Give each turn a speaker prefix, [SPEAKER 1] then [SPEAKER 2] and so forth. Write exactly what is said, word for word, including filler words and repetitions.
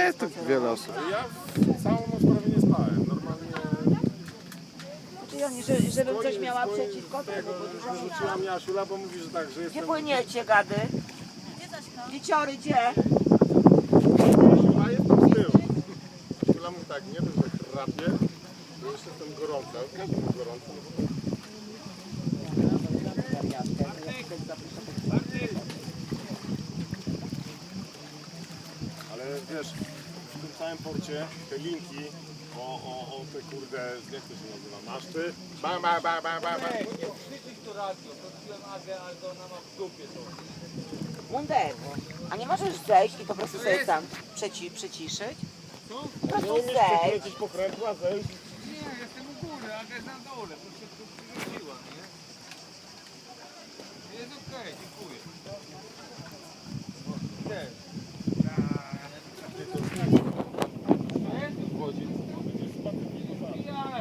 [SPEAKER 1] jest tu wiele osób.
[SPEAKER 2] Ja całą noc prawie nie spałem. Normalnie...
[SPEAKER 3] Czyli oni, że, żebym coś miała
[SPEAKER 2] Dzwoni-
[SPEAKER 3] przeciwko
[SPEAKER 2] tego,
[SPEAKER 3] temu, bo dużo mi
[SPEAKER 2] wyrzuciła mnie Asiula, bo mówi, że tak, że jestem...
[SPEAKER 3] Gdzie płyniecie, gady? Dzieciory, gdzie?
[SPEAKER 2] Asiula jestem z tyłu. Asiula mówi tak, nie wiem, że chrapie, bo jeszcze jestem gorący, ale każdy ma gorąco. No bo... Ale wiesz, w tym całym porcie te linki o, o, o te kurde, jak to się nazywa, maszty, bam, bam, bam, bam, bam, bam.
[SPEAKER 4] Nie krzyczyć to radio, to wziąłem Agę, ale to ona ma w dupie to.
[SPEAKER 3] Mundek, a nie możesz zejść i po prostu sobie tam przeci, przyciszyć? Po
[SPEAKER 2] Nie
[SPEAKER 3] prostu
[SPEAKER 2] umiesz
[SPEAKER 3] zejdź.
[SPEAKER 2] przekręcić pokrętła, zejść.
[SPEAKER 4] Nie, jestem u góry, Aga jest na dole, to się tu przyrzuciła, nie? Jest okej, dziękuję. Gdzie?